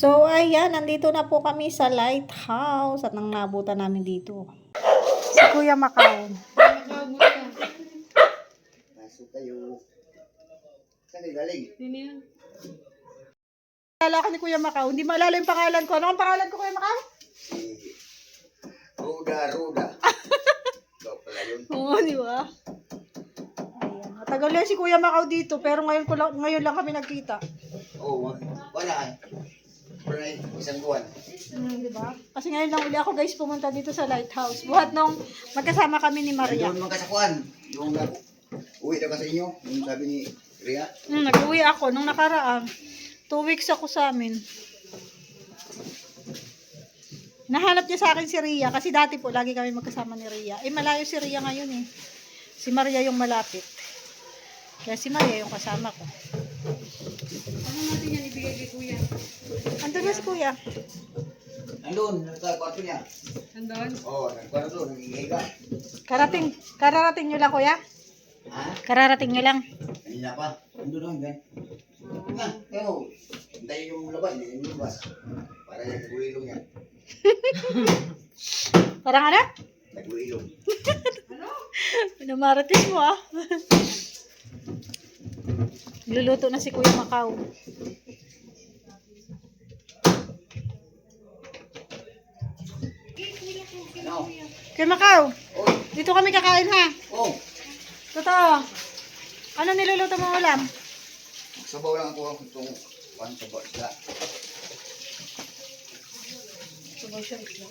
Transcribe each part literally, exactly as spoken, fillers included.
So, ayan, nandito na po kami sa lighthouse at nang nabutan namin dito. Si Kuya Macau. Pasok kayo. Saan kayo galing? Sino yun? Kala ko ni Kuya Macau. Hindi maalala yung pangalan ko. Ano ang pangalan ko, Kuya Macau? Si Ruda, Ruda. Ikaw pala yun. Oo, di ba? Ayan. Matagal yan si Kuya Macau dito, pero ngayon, ko lang, ngayon lang kami nagkita. Oo, oh, wala eh. Wala eh, isang buwan. Hmm, di ba? Kasi ngayon lang uli ako guys pumunta dito sa lighthouse. Buhat nung magkasama kami ni Maria. Doon mga kasakuan. Yung uh, uwi na ka sa inyo. Yung sabi ni Ria. Hmm, nag-uwi ako nung nakaraan. Two weeks ako sa amin. Nahanap niya sa akin si Ria kasi dati po lagi kami magkasama ni Ria. Eh malayo si Ria ngayon eh. Si Maria yung malapit. Kaya si Maria yung kasama ko. Ano natin yan ibigay kay Kuya? Andun na si Kuya. Nandun, nasa kwarto niya. Andon? Oo, oh, nagkwarto, nangihiga. Karating, kararating nyo lang Kuya? Ha? Kararating nyo lang. Kanina pa. Nandun lang, gan. Nga, pero, hintayin yung labas, hindi yung labas. Para yung nag-uilong yan. Parang ano? Nag-uilong. Pinamarating mo ah. Luluto na si Kuya Macau. Ano? Kuya Macau, Oh, dito kami kakain ha. oh. Totoo. Ano niluluto mo ulam? Sabaw lang ako itong one sabaw isda. Sabaw siya isla.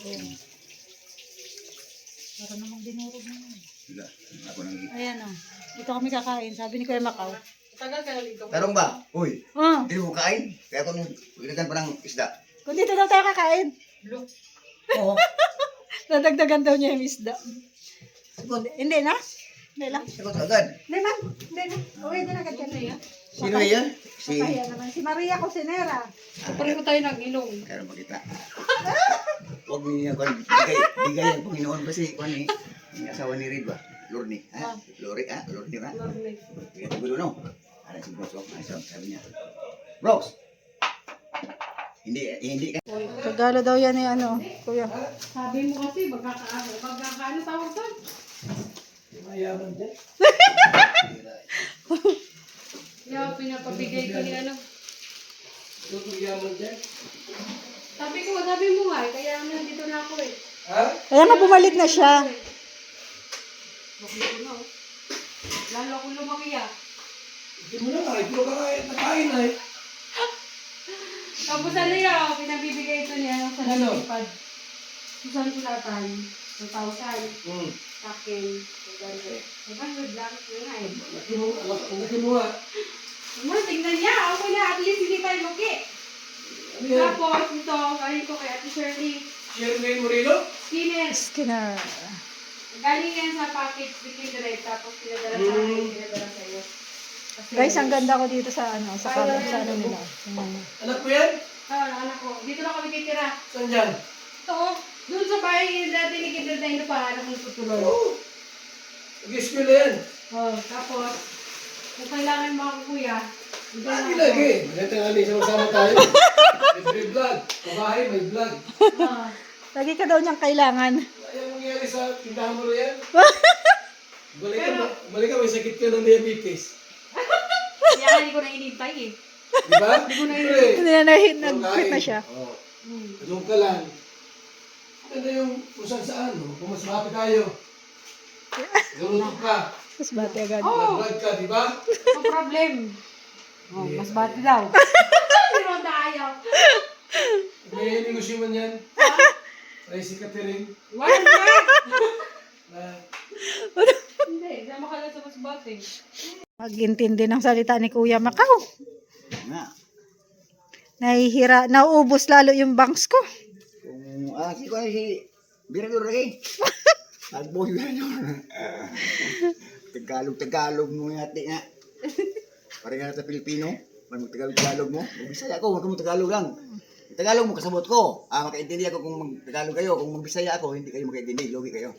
Para namang dinurog mo. Wala, ako nang Ayan o. Dito kami kakain. Sabi ni Kuya Macau. Tagal ka na dito. Tarong ba? Uy, Oh, hindi mo kain? Kaya ako nung ilagyan pa ng isda. kung dito daw tayo kakain. Blue. Oo. Nadagdagan daw niya yung isda. Sagot. Hindi na? Hindi lang. Sagot agad. Hindi man. Hindi na. Uwi din agad ka na. Sino yan? Si... Papaya naman. Si Maria Cosinera. Pareho tayo ng ilong. Kaya makita. Huwag mo niya kung bigay, bigay ang Panginoon kasi kung ni yung asawa ni Reed ba? Lorne. Ha? Lori, ha? Lorne ba? Lorne. Bigyan ko gulo, no? Ano si Brooks? Oh, ay, sabi niya. Brooks! Hindi, eh, hindi ka. Regalo daw yan ni ano, Kuya. Sabi mo kasi magkakaano. Magkakaano tawag doon? Mayaman dyan. Kaya pinapabigay ko ni ano. Mayaman dyan. Sabi ko, sabi mo nga eh. Kaya nandito na ako eh. Ha? Kaya nga bumalik na siya. Bakit ko na oh. Lalo akong lumaki ah. Hindi mo na nga, ito ka nakain na eh. Tapos ano yan, pinabibigay ito niya sa Ano? lipad. Susan sulatan. two thousand. Hmm. Sa akin. two hundred. two hundred lang. Yun nga eh. Laki mo, laki mo nga. Naman, tingnan niya. Ako na, at least hindi tayo luki. Ano yan? Tapos, ito, galing ko kay Ate Shirley. Shirley Moreno? Skinner. Skinner. Galing yan sa package between direct. Tapos, pinadala sa akin, pinadala sa iyo. Kasi- Guys, ang ganda ko dito sa ano, sa kanan sa ano nila. Ayan. Anak ko yan? Oo, anak ko. Dito lang kami titira. Saan dyan? Ito, oh. Doon sa bahay yung dati ni Kindred na ino pa, anak ng tutuloy. Oo. Nag-school na yan. Oh, tapos, kung kailangan mga kuya, dito lang Lagi ako. lagi. Maganda nga rin, sama-sama tayo. May vlog. Kabahay, may vlog. Ah. Lagi ka daw niyang kailangan. Ayaw mangyari sa tindahan mo yan. Balik ka, balik ka, may sakit ka ng diabetes. Kaya hindi ko na inintay eh. Diba? Hindi ko na yun. Hindi na nag- nag-quit na siya. Oo. Hmm. Anong ka lang. Ano yung kung saan saan, no? Kung mas happy tayo. Lulutok ka. Mas bati agad. Oh, Nag-vlog ka, di ba? no problem. Oh, mas bati daw. Pero ayaw. May negosyo man yan. Ay, si Catherine. Wala na. Na, Hindi, sama ka lang sa mas bati. Mag-intindi ng salita ni Kuya Macau. nga. Nahihira, nauubos lalo yung banks ko. Kung, ah, si, kung si, Birador lagi. Agbo si Birador. Tagalog, Tagalog mo yati nga. Parang nga sa Pilipino. Parang Tagalog, Tagalog mo. Magbisaya ako, huwag mo Tagalog lang. Tagalog mo, kasabot ko. Ah, makaintindi ako kung mag-Tagalog kayo. Kung magbisaya ako, hindi kayo makaintindi. Logi kayo.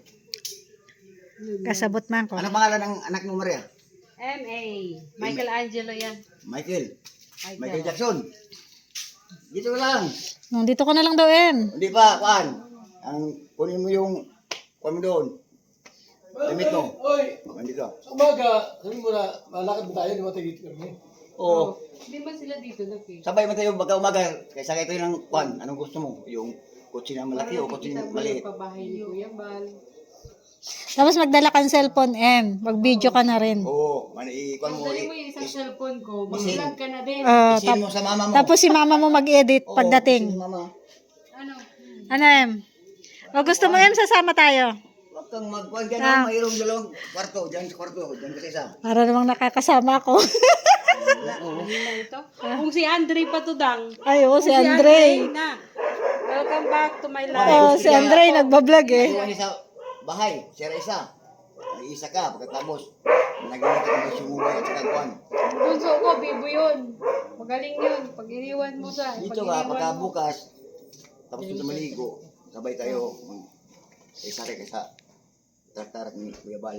Kasabot man ko. Anong pangalan ng anak mo, Maria? M A Michael Angelo yan. Michael. Michael. Michael Jackson. Dito lang. Nandito ka na lang daw, Em. Hindi pa, kuan. Ang kunin mo yung kuan mo doon. Damit mo. Oy, Nandito. sa umaga, sabi mo na, malakad mo tayo, di ba tayo dito kami? Oo. Hindi ba sila dito nag-fish? Sabay mo tayo baka umaga. Kaysa kayo ng kuan. Anong gusto mo? Yung kutsi na malaki o kutsi na maliit? Pabahay ni Kuya Bal. Tapos magdala kang cellphone, Em. Mag-video ka na rin. Oo. Man, i-kuan mo. Dali mo i- yung isang is- cellphone ko, Isin. mag-vlog ka na din. Ah, Isin tap- mo sa mama mo. tapos si mama mo mag-edit Oo, pagdating. isin mo, mama. Ano? Ano, Em? O gusto mo, Em, sasama tayo? Huwag kang magkuhan ka Ah. na. Mayroong dalawang kwarto. Diyan sa kwarto. Diyan ka sa isa. Para namang nakakasama ako. Ano na ito? Kung si Andre pa to dang. Ay, oo, Kung si Andre. na. Welcome back to my Oo, life. si Andre nagbablog eh. Iwan niya sa bahay. Sira isa. Ay, isa ka. Pagkatapos, nagawin ka ng sumubay at saka kuhan. Bunso ko, bibo yun. Magaling yun. Pag iniwan mo sa... Dito pag ka, iniwan pagka mo- bukas, tapos dito maligo, sabay tayo. mag- Kaysa kay kaysa tartarat ni Kuya Bal.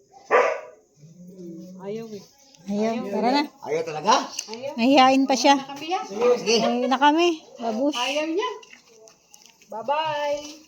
Ayaw eh. Ayaw, tara na. Ayaw talaga? Ayaw. Nahihain pa siya. Kami yan. Sige, sige. Ay na kami. Babush. Ayaw niya. Bye-bye.